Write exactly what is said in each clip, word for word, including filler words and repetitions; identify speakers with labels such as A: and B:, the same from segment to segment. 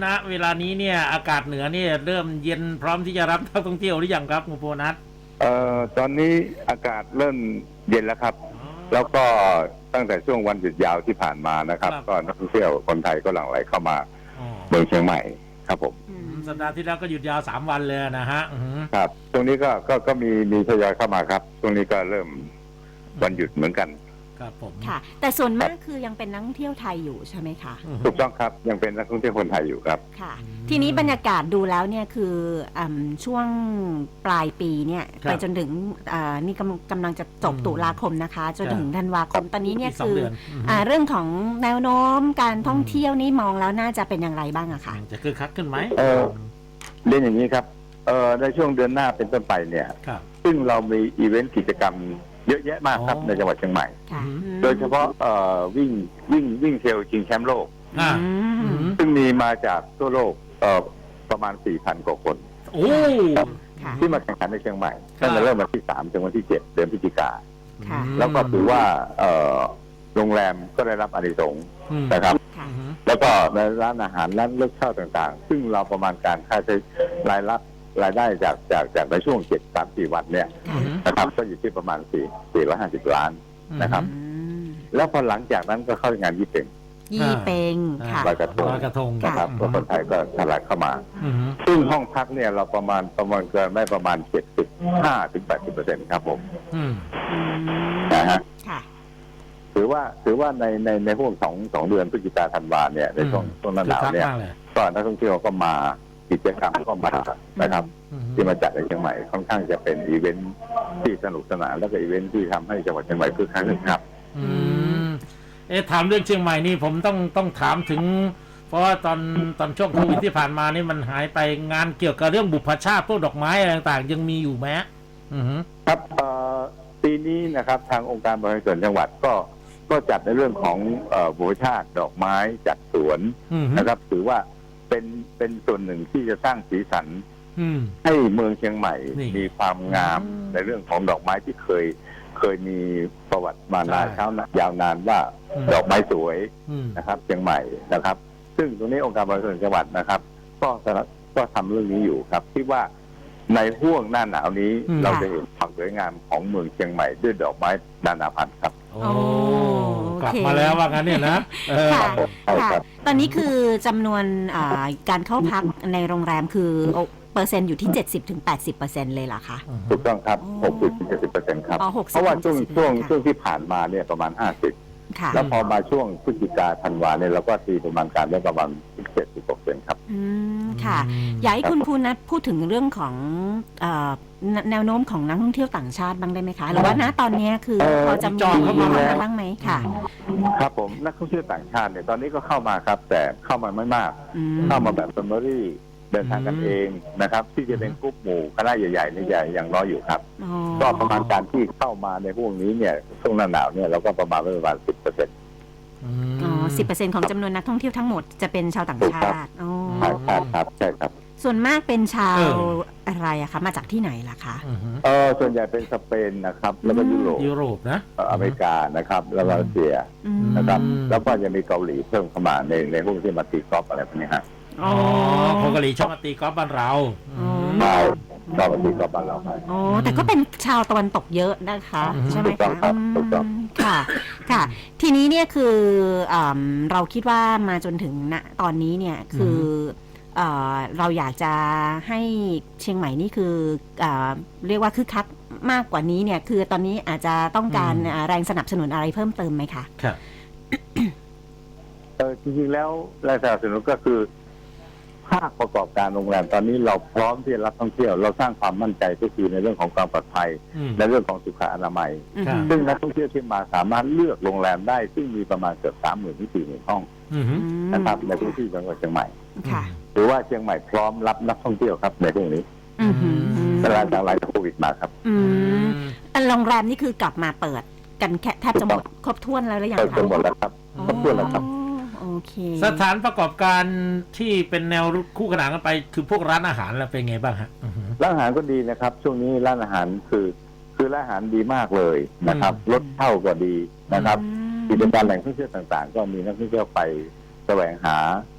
A: ณเวลานี้เนี่ยอากาศเหนือเนี่ยเริ่มเย็นพร้อมที่จะรับนักท่องเที่ยวหรือยังครับคุณโพนัท
B: เอ่อตอนนี้อากาศเริ่มเย็นแล้วครับ แล้วก็ตั้งแต่ช่วงวันหยุดยาวที่ผ่านมานะครับก็นักท่องเที่ยวคนไทยก็หลั่งไหลเข้ามาเมืองเชียงใหม่ครับผม
A: สัปดาห์ที่แล้วก็หยุดยาวสามวันเลยนะฮะ
B: ครับตรงนี้ก็ก็ก็มีมีทยอยเข้ามาครับช่วงนี้ก็เริ่มวันหยุดเหมือนกัน
A: ครับผม
C: ค่ะแต่ส่วนมากคือยังเป็นนักท่องเที่ยวไทยอยู่ใช่ไหมคะ
B: ถูกต้องครับยังเป็นนักท่องเที่ยวคนไทยอยู่ครับ
C: ค่ะทีนี้บรรยากาศดูแล้วเนี่ยคือช่วงปลายปีเนี่ยไปจนถึงนี่กำกำลังจะจบตุลาคมนะคะจนถึงธันวาคมตอนนี้เนี่ยคือเรื่องของแนวโน้มการท่องเที่ยวนี่มองแล้วน่าจะเป็นอย่างไรบ้างอะคะ
A: จะคึกคักขึ้นไหม
B: เออเรียนอย่างนี้ครับเออในช่วงเดือนหน้าเป็นต้นไปเนี่ยซึ่งเรามีอีเวนต์กิจกรรมเยอะแยะมากครับในจังหวัดเชียงใหม่โดยเฉพาะเอ่อวิ่งวิ่งวิ่งเทรลชิงแชมป์โลกซึ่งมีมาจากทั่วโลกเอ่อประมาณ สี่พัน กว่าคนที่มาแข่งขันในเชียงใหม่ตั้งแต่เริ่มวันที่สามถึงวันที่เจ็ดเดือนพฤศจิกาแล้วก็ถือว่าเอ่อโรงแรมก็ได้รับอานิสงส์นะครับแล้วก็ในร้านอาหารร้านเลือกเช่าต่างๆซึ่งเราประมาณการค่าใช้รายรับรายได้จากจากจากในช่วงเจ็ด สาม สี่วันเนี่ยนะครับก็อยู่ที่ประมาณสี่ สี่ร้อยห้าสิบล้านนะครับแล้วพอหลังจากนั้นก็เข้างานยี่เป็ง
C: ยี่เป็งค่ะ
B: ลอยกระทง
A: ลอยกระทง
B: นะครับคนไทยก็ทะลักเข้ามาซึ่งห้องพักเนี่ยเราประมาณประมาณเกินได้ประมาณ เจ็ดสิบห้าถึงแปดสิบเปอร์เซ็นต์ ครับผมนะฮะถือว่าถือว่าในในในห่วงสองสองเดือนพฤศจิกาธันวาเนี่ยในช่วงช่วงหน้าหนาวเนี่ยก็นักท่องเที่ยวก็มากิจกรรมก็มานะครับที่มาจัดในเชียงใหม่ค่อนข้างจะเป็นอีเวนท์ที่สนุกสนานแล้วก็อีเวนท์ที่ทำให้จังหวัดเชียงใหม่คึกคักขึ้นครับ
A: อืมเอ๊ะถามเรื่องเชียงใหม่นี่ผมต้องต้องถามถึงเพราะว่าตอนตอนช่วงโควิดที่ผ่านมานี่มันหายไปงานเกี่ยวกับเรื่องบุพชาติพวกดอกไม้อะไรต่างๆยังมีอยู่ไหม
B: ครับปีนี้นะครับทางองค์การบริหารส่วนจังหวัดก็ก็จัดในเรื่องของบุพชาติดอกไม้จัดสวนนะครับถือว่าเป็นเป็นส่วนหนึ่งที่จะสร้างสีสันให้เมืองเชียงใหม่มีความงามในเรื่องของดอกไม้ที่เคยเคยมีประวัติมานานเช้ายาวนานว่าดอกไม้สวยนะครับเชียงใหม่นะครับซึ่งตรงนี้องค์การบริหารส่วนจังหวัดนะครับก็ก็ทำเรื่องนี้อยู่ครับที่ว่าในห่วงหน้าหนาวนี้เราจะเห็นความสวยงามของเมืองเชียงใหม่ด้วยดอกไม้นานาพันธุ์ครับ
A: โอ้กลับมาแล้วว่างั้นเนี่ยนะ
C: ค่ะตอนนี้คือจำนวนการเข้าพักในโรงแรมคือเปอร์เซ็นต์อยู่ที่ เจ็ดสิบถึงแปดสิบเปอร์เซ็นต์ เลยเหรอคะ
B: ถูกต้องครับ หกสิบถึงเจ็ดสิบเปอร์เซ็นต์ ครับเพราะว่าช่วงช่วงช่วงที่ผ่านมาเนี่ยประมาณห้าสิบแล้วพอมาช่วงพฤศจิกาธันวาเนี่ยเราก็ตีประมาณการได้ประมาณเจ็ดสิบเปอร์เซ็นต์ครับ
C: อืมค่ะอยากให้คุณภูนัทพูดถึงเรื่องของแนวโน้มของนักท่องเที่ยวต่างชาติบ้างได้ไหมคะหรือว่าณตอนนี้คือพอจะมีเข้ามาบ้างไหมค่ะ
B: ครับผมนักท่องเที่ยวต่างชาติเนี่ยตอนนี้ก็เข้ามาครับแต่เข้ามาไม่มากเข้ามาแบบแฟมิลี่เดินทางกันเองนะครับที่จะเป็นกลุ่มหมู่คณะใหญ่ๆนี่ใหญ่ยังน้อยอยู่ครับก็ประมาณการที่เข้ามาในพวกนี้เนี่ยช่วงหน้าหนาวเนี่ยเราก็ประมาณประมาณสิบเปอร์เซ็นต์
C: อ๋อสิบเปอร์เซ็นต์ของจำนวนนักท่องเที่ยวทั้งหมดจะเป็นชาวต่างชาติอ๋อ
B: ครับใช่ครับ
C: ส่วนมากเป็นชาวอะไรอะคะมาจากที่ไหนล่ะคะ
B: เออส่วนใหญ่เป็นสเปนนะครับแล้วก็ยุโรป
A: ยุโรปนะ
B: อเมริกานะครับแล้วก็รัสเซียนะครับแล้วก็จะมีเกาหลีเพิ่มเข้ามาในในพวกที่มาตีกอล์ฟอะไรพวกนี้ฮะ
A: อ๋อคนเกาหลีชอบมาตีกอล์ฟบ้านเรา
B: ใช่ชอบมาตีกอล์ฟบ้านเราครับ
C: อ๋อแต่ก็เป็นชาวตะวันตกเยอะนะคะใช่ไหมคะค่ะค่ะทีนี้เนี่ยคือเราคิดว่ามาจนถึงณตอนนี้เนี่ยคือเราอยากจะให้เชียงใหม่นี่คือเรียกว่าคึกคักมากกว่านี้เนี่ยคือตอนนี้อาจจะต้องการแรงสนับสนุนอะไรเพิ่มเติมไหมคะ
A: ครับ
B: เออจริงๆแล้วแรงสนับสนุนก็คือภาคประกอบการโรงแรมตอนนี้เราพร้อมที่จะรับท่องเที่ยวเราสร้างความมั่นใจก็คือในเรื่องของความปลอดภัยในเรื่องของสุขอนามัยซึ่งนักท่องเที่ยวที่มาสามารถเลือกโรงแรมได้ซึ่งมีประมาณเกือบสามหมื่นถึงสี่หมื่นห้องนะครับในพื้นที่จังหวัดเชียงใหม่หรือว่าเชียงใหม่พร้อมรับนักท่องเที่ยวครับในเรื่องนี้ตลาดจากหลังจากโควิดมาครับ
C: โรงแรมนี่คือกลับมาเปิดกันแทบจะหมดครบถ้วนแล้วหรือยังคะ
B: ครบหมดแล้วครับครบถ้วนแล้วครับ
A: สถานประกอบการที่เป็นแนวคู่ขนานกันไปคือพวกร้านอาหารแล้วเป็นไงบ้างฮะ
B: ร้านอาหารก็ดีนะครับช่วงนี้ร้านอาหารคือคือร้านอาหารดีมากเลยนะครับรถเช่าก็ดีนะครับกิจการแหล่งท่องเที่ยวต่างๆก็มีนักท่องเที่ยวไปแสวงหา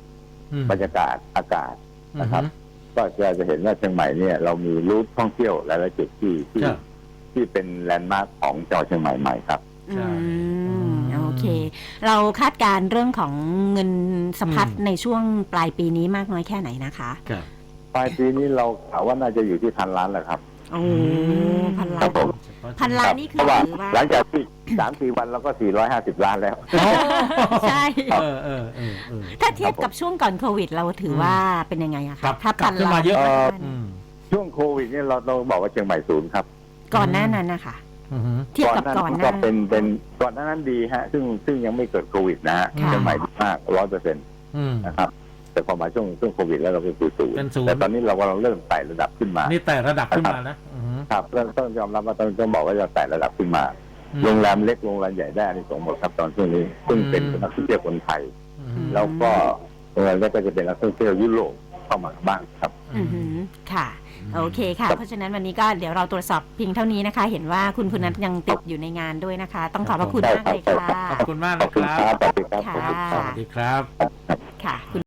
A: อืม
B: บรรยากาศอากาศ นะครับ
A: อือฮึ
B: ก็จะจะเห็นว่าเชียงใหม่เนี่ยเรามีรูทท่องเที่ยวหลายๆจุดที่ที่
A: ครับ
B: ที่เป็นแลนด์มาร์คของจังหวัดเชียงใหม่ใหม่ครับ
A: ใช่
C: อืม
A: อืม
C: โอเค เราคาดการณ์เรื่องของเงินสะพัด
A: อืม
C: ในช่วงปลายปีนี้มากน้อยแค่ไหนนะคะ
A: ครับ
B: ปลายปีนี้เรากะว่าน่าจะอยู่ที่พันล้านแหละครับ
C: โอ้พันล้า
B: ครั
C: น
B: บผม
C: พันล้าน
B: ครับ
C: นี่คื
B: เพ
C: อ
B: ราะว่า
C: ถือว่า
B: หลังจากที่สามสี่วันเราก็สี่ร้อยห้าสิบล้านแล้ว
A: อ๋อ
C: ใช่
A: เออเออเออเออ
C: ถ้าเทียบกับช่วงก่อนโควิด เราถือว่าเป็นยังไงอะ
A: กลั
C: คะ
A: บ
C: ถ้าก
A: ลั
C: พั
A: บ
C: น
A: ขึ้น
C: ล้า
A: มานเยอะ
B: เอ่อ
A: อืม
B: ช่วงโควิดเนี่ยเราต้องบอกว่าเชียงใหม่ศูนย์ครับ
C: ก่อนหน้านั้นนะคะ
A: อือฮึ
C: เทียบกับก่อนห
B: ก็
C: น้า
B: เป็นเป็นก่อนหน้านั้นดีฮะ ซึ่งซึ่งยังไม่เกิดโควิดนะฮะ
C: ค่ะ
B: เชียงใหม่ดีมากร้อยเปอร์เซ็นต์
A: อืม
B: นะครับ แต่พอมาช่วงช่วงโควิดแล้วเราเป็นศูนย์
A: เป็นศูนย์
B: แต่ตอนนี้เรากำลังเริ่มไต่ระดับขึ้นมา
A: นี่แต่ระดับขึ้นมานะอือฮึ
B: ครับเริ่มต้องยอมรับว่าต้องต้องบอกว่าจะไต่ระดับขึ้นมา
A: อืม
B: โรงแรมเล็กโรงแรมใหญ่ได้อานิสงส์หมดครับตอนช่วงนี้ ซึ่งเป็น
A: อืม
B: นักท่องเที่ยวคนไทย
A: อือฮึ
B: แล้วก็โรงแรมเล็กก็จะเป็นนักท่องเที่ยวยุโรปเข้ามาบ้างครับ
C: อือหือค่ะ โอเคค่ะ เพราะฉะนั้นวันนี้ก็เดี๋ยวเราตรวจสอบเพียงเท่านี้นะคะ เห็นว่าคุณพุนัทยังติดอยู่ในงานด้วยนะคะ ต้องขอบพระคุณมากเลยค่ะ
A: ขอบคุณมาก
B: ขอ
A: นะ
B: บคุณ
A: ค
B: ค
A: รั
B: รับ บสวัสดีครับขอบคุณค
A: ส
B: รับ
A: วัสดีครับ
C: ค่ะคุณ